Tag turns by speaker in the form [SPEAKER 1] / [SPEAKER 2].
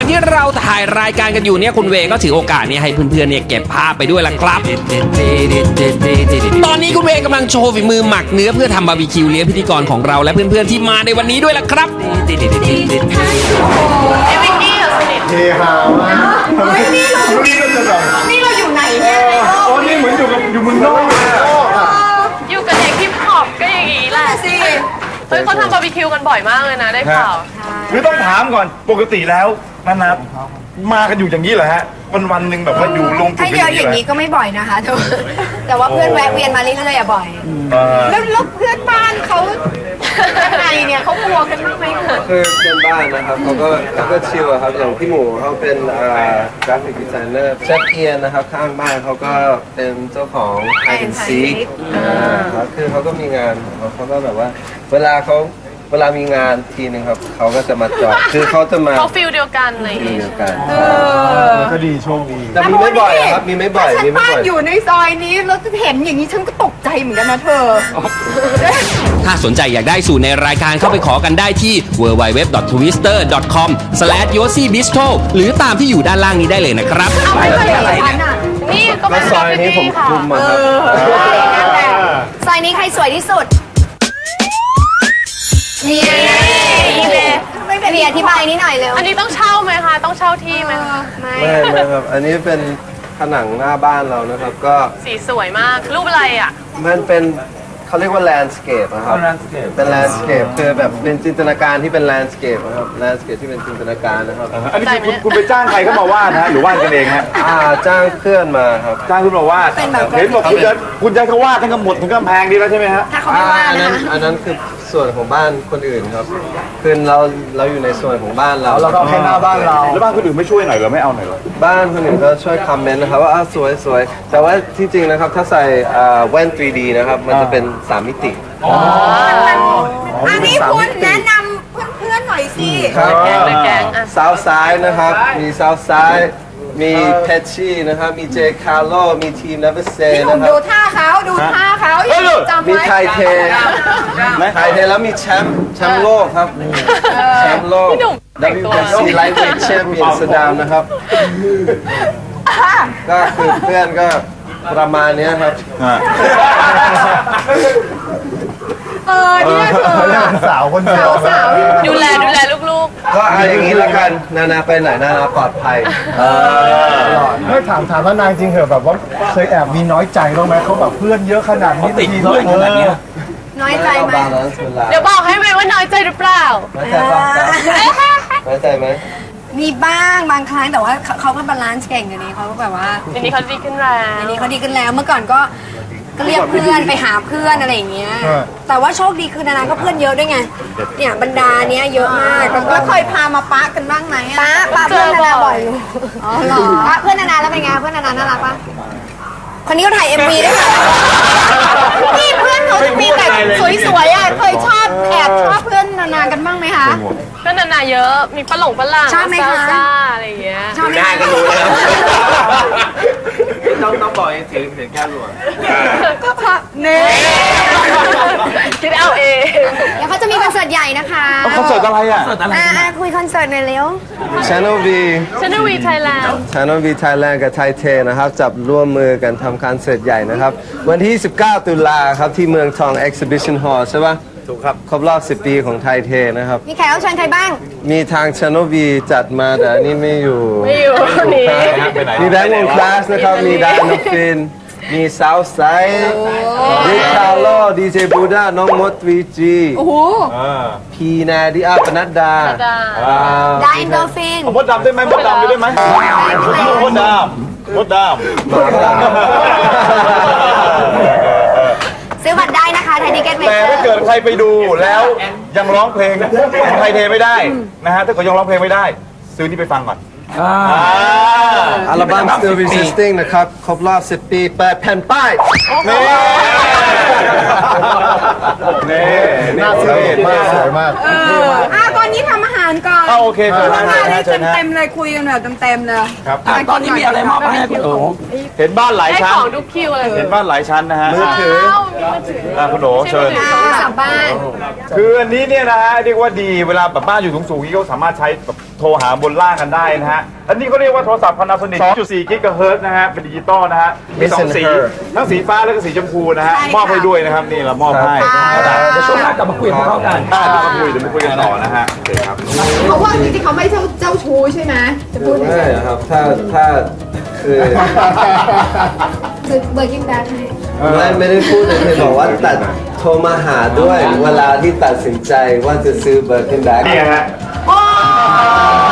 [SPEAKER 1] ที่เราถ่ายรายการกันอยู่เนี่ยคุณเวย์ก็ถือโอกาสเนี่ยให้เพื่อนๆเนี่ยเก็บภาพไปด้วยล่ะครับ ตอนนี้คุณเวย์กำลังโชว์ฝีมือหมักเนื้อเพื่อทำบาร์บีคิวเลี้ยงพิธีกรของเราและเพื่อนๆที่มาในวันนี้ด้วยล่ะครับ
[SPEAKER 2] ไอ้วิกกี้เหรอสนิท
[SPEAKER 3] เฮฮามากนี่ก็จะแบบ
[SPEAKER 4] นี่เราอยู่ไหนเนี่ย
[SPEAKER 3] โอ้นี่เหมือนอยู่เมืองนอกเลยอะ
[SPEAKER 2] อยู่กับเด็กฮิปฮอปก็อย่างนี้แหละ
[SPEAKER 4] สิ
[SPEAKER 2] เฮ้ยเขาทำบาร์บีคิวกันบ่อยมากเลยนะได้ข่าว
[SPEAKER 3] คือต้องถามก่อนปกติแล้วนับมากันอยู่อย่างนี้เหรอฮะวันหนึ่งแบบว่าอยู่ลง
[SPEAKER 4] ถ้าเยอะอย่างนี้ก็ไม่บ่อยนะคะแต่ว่าเพื่อนแวะเวียนมาเรื่อยๆอะบ่อย แล้วเพื่อนบ้านเขายังไงเนี่ยเขากลัวกันบ้างไหม
[SPEAKER 5] คือเพื่อนบ้านนะครับเขาก็ชิลอะครับอย่างพี่หมูเขาเป็นกราฟิกดีไซเนอร์เชฟเอียนนะครับข้างบ้านเขาก็เป็นเจ้าของ Hide and Seek ครับคือเขาก็มีงานเขาก็แบบว่าเวลามีงานทีนึงครับเขาก็จะมาจอดคือเขาจะมา
[SPEAKER 2] เขาฟิลเดียวกันอะไรอย่าง
[SPEAKER 5] ที
[SPEAKER 2] งี้
[SPEAKER 5] เดียวกัน
[SPEAKER 3] ก็ดีโชคดี
[SPEAKER 5] แต่มีไม่บ่อยอะครับมีไม่บ่อย
[SPEAKER 4] ฉัน
[SPEAKER 5] มีไม่
[SPEAKER 4] บ้าน
[SPEAKER 5] บ่อย
[SPEAKER 4] อยู่ในซอยนี้แล้วเห็นอย่างนี้ฉันก็ตกใจเหมือนกันนะเธอ
[SPEAKER 1] ถ้าสนใจอยากได้สูตรในรายการเข้าไปขอกันได้ที่ www.twister.com/yossibistro หรือตามที่อยู่ด้านล่างนี้ได้เลยนะครับ
[SPEAKER 4] ไม่เคยเห็นฉันอะ
[SPEAKER 2] นี่ก็เป็น
[SPEAKER 5] ซอยนี้ผมคุมมาครับ
[SPEAKER 4] นั่นแหละซอยนี้ใครสวยที่สุดนี่มีอธิบายนิดหน่อยเร็ว
[SPEAKER 2] อันนี้ต้องเช่าไหมคะต้องเช่าที่ไหมคะ
[SPEAKER 5] ไม่ครับอันนี้เป็นผนังหน้าบ้านเรานะครับก็
[SPEAKER 2] สีสวยมากรูปอะไรอ่ะ
[SPEAKER 5] มันเป็นเขาเรียกว่า landscape นะครับ เป็น landscape คือแบบเป็นจินตนาการที่เป็น landscape นะครับ landscape ที่เป็นจินตนาการนะครับ
[SPEAKER 3] อันนี้คุณไปจ้างใครเข้ามาวาดนะหรือวาดกันเองฮะ
[SPEAKER 5] จ้างเพื่อนมาครับ
[SPEAKER 3] จ้างคุณมาวาดเห็นบอกคุณจะเขาวาดทั้งหมดทั้งกำแพงดีแล้วใช่ไหมฮะ
[SPEAKER 4] ถ้าเขาไม่ว่า
[SPEAKER 5] อัน
[SPEAKER 4] นะ
[SPEAKER 5] นั้น
[SPEAKER 4] คะ
[SPEAKER 5] อันนั้นคือส่วนของบ้านคนอื่นครับคือเราอยู่ในส่วนของบ้านเรา
[SPEAKER 3] เราก็เอาแค่หน้าบ้านเราแล้วบ้านคนอื่นไม่ช่วยหน่อยเหรอไม่เอาหน่อยเหรอ
[SPEAKER 5] บ้านคนอื่นก็ช่วยคอมเมนต์นะครับว่าสวยสวยแต่ว่าที่จริงนะครับถ้าใส่แว่น 3D นะครับมันจะเป็น 3 มิติ
[SPEAKER 4] อันนี้คุณแนะนำเพื่อนๆหน่อยสิ
[SPEAKER 5] ครับ
[SPEAKER 2] แกงเลยแกงอ่ะ
[SPEAKER 5] ซาวซ้ายนะครับ มีซาวซ้าย มีเพชชี่นะครับ มีเจคาร์โล มีทีมนับเซ
[SPEAKER 4] พี่หนุ่ม
[SPEAKER 5] นะครั
[SPEAKER 4] ดู
[SPEAKER 5] บ
[SPEAKER 4] ท่าเขาจำ
[SPEAKER 5] มี
[SPEAKER 4] ไว้
[SPEAKER 5] ไทยเทไทยเทแล้วมีแชมป์โลกครับ แชมป์โลก
[SPEAKER 2] พี่หนุ่มแต่งตัว
[SPEAKER 5] WBC Lightweight Champion สดามนะครับ ก็คือเพื่อนก็ประมาณเนี้ยครับ
[SPEAKER 4] เนี่ยเธอ
[SPEAKER 3] สาวคนเดียว
[SPEAKER 4] สาว
[SPEAKER 2] ดูแลลูก
[SPEAKER 5] ก็เอาอย่างนี้ละกันนาไปไหนนาปลอดภัย
[SPEAKER 6] ไม่ถามว่านางจริงเหรอแบบว่าเคยแอบมีน้อยใจบ้างไหมเขาแบบเพื่อนเยอะขนาดนี้
[SPEAKER 1] ติดเพื่อนขนาดเนี้ย
[SPEAKER 4] น้อยใจไหม
[SPEAKER 5] บาลานซ์เวลา
[SPEAKER 2] ๆเดี๋ยวบอกให้ไหมว่าน้อยใจหรือเปล่า
[SPEAKER 5] น้อยใจป่ะน้อยใจไหม
[SPEAKER 4] มีบ้างบางครั้งแต่ว่าเขาก็บาลานซ์เก่งอยู่นี้เขาก็แบบว่า
[SPEAKER 2] ทีนี้เขาดีขึ้นแล้ว
[SPEAKER 4] อันนี้เขาดีขึ้นแล้วเมื่อก่อนก็เรียกเพื่อนไปหาเพื่อนอะไรอย่างเงี้ยแต่ว่าโชคดีคือนานาก็เพื่อนเยอะด้วยไงเนี่ยบรรดาเนี้ยเยอะมากแล้วเคยพามาปะกันบ้างไหมปะเพื่อนนานาบ่อยอยู่อ๋อเหรอปะเพื่อนนานาแล้วเป็นไงเพื่อนนานาน่ารักปะคนนี้เขาถ่าย MV ด้วยค่ะนี่เพื่อนเขาจะมีแต่สวยๆอ่ะเคยชอบแอบชอบเพื่อนนานากันบ้างไหมคะ
[SPEAKER 2] ก็นาๆเยอะมีฝรั่ง
[SPEAKER 4] ชอบไหมคะ
[SPEAKER 2] ซ่าๆอะไรอย่างเงี้ย
[SPEAKER 4] ชอบไหมคะ
[SPEAKER 5] ต้องบอกให้ถือแก้วหลวง
[SPEAKER 4] ก็เพราะเน่
[SPEAKER 2] คิดเอาเอง
[SPEAKER 4] เดี๋ยวเขาจะมีคอนเสิร์ตใหญ่นะคะ
[SPEAKER 3] คอนเสิร์ตอะไรอ่ะ
[SPEAKER 4] คุยคอนเสิร์ตหน่อยเร็ว
[SPEAKER 5] Channel V
[SPEAKER 2] ชนวีไทยแลนด์
[SPEAKER 5] Channel V Thailand กับไทยเทนะครับจับร่วมมือกันทำคอนเสิร์ตใหญ่นะครับ วันที่ 19 ตุลาครับที่เมืองทอง Exhibition Hall ใช่ปะถูกครับครบรอบ 10 ปีของไทยเทนะครับ
[SPEAKER 4] มีแขกรับเชิญใครบ้าง
[SPEAKER 5] มีทาง Channel V จัดมาแต่อันนี้ไม่อยู่
[SPEAKER 2] ไม่อยู่นี่
[SPEAKER 5] มีแบงค์วงคลาสนะครับ มีดานอฟฟิน มีซาวไซด์ริคาร์โลดีเจบูดาน้องมด 3G
[SPEAKER 4] โอ้โห
[SPEAKER 5] พีนาดิอาปนัดดา
[SPEAKER 4] ไดโดฟิน
[SPEAKER 3] มดดำได้ไหมมดดำได้ไหมมดดำมดดำ
[SPEAKER 4] ซื้อบัตรได้นะคะไทยทิเก็ตเม
[SPEAKER 3] แต่
[SPEAKER 4] เจอ
[SPEAKER 3] ถ้า
[SPEAKER 4] ร์
[SPEAKER 3] เกิดใครไปดูแล้วยังร้องเพลงของไทยเทไม่ได้นะฮะถ้าเกิดยังร้องเพลงไม่ได้ ซื้อนี่ไปฟังก่อน
[SPEAKER 5] อัลบั้ม Still Resisting นะครับ ครบรอบ 10 ปีเปิดแผ่นป้าย
[SPEAKER 3] นี่
[SPEAKER 6] น่าสวยมากสวยมาก
[SPEAKER 4] ตอนนี้ทำอาหารก่อน
[SPEAKER 3] โอเคเชิญนะ
[SPEAKER 4] มาได้
[SPEAKER 3] เชิญนะ
[SPEAKER 4] เต็มๆเลยคุยกันแบบเต็มๆเลย
[SPEAKER 3] ครับ
[SPEAKER 1] ตอนนี้มีอะไรมอบให้คุณโอ๋
[SPEAKER 3] เห็นบ้านหลาย
[SPEAKER 2] ให้
[SPEAKER 3] ชั้น
[SPEAKER 2] ของทุกคิวเลย
[SPEAKER 3] เห็นบ้านหลายชั้นนะฮะ
[SPEAKER 5] มือถือ
[SPEAKER 3] คุณโดเชิญ
[SPEAKER 4] กลับบ้าน
[SPEAKER 3] คืออันนี้เนี่ยนะฮะเรียกว่าดีเวลาแบบบ้านอยู่สูงๆนี่ก็สามารถใช้แบบโทรหาบนล่างกันได้นะฮะ อันนี้เขาเรียกว่าโทรศัพท์ Panasonic 2.4 กิกะเฮิรตซ์นะฮะ เป็นดิจิตอลนะฮะ มีสองสี ทั้งสีฟ้าแล้วก็สีชมพูนะฮะ มอบให้ด้วยนะครับ นี่เรามอบให้
[SPEAKER 1] เดี๋ยวช่วงหน้ากลับมาคุยกับเขากัน
[SPEAKER 3] เดี๋ยวมาคุยกันต่อนะฮะ โอเคครับ
[SPEAKER 7] เพราะว่าจริงๆเขาไม่เจ้าชู้ใช่ไหมจะพูด
[SPEAKER 5] ไม่ครับถ้าคือ
[SPEAKER 7] คือเบอร์กิ้งแบ็คให้
[SPEAKER 5] ไม่ได้พูดเลยเคยบอกว่าตัดโทรมาหาด้วยเวลาที่ตัดสินใจว่าจะซื้อเบอร์กินแบ็ค
[SPEAKER 3] นี่ฮะ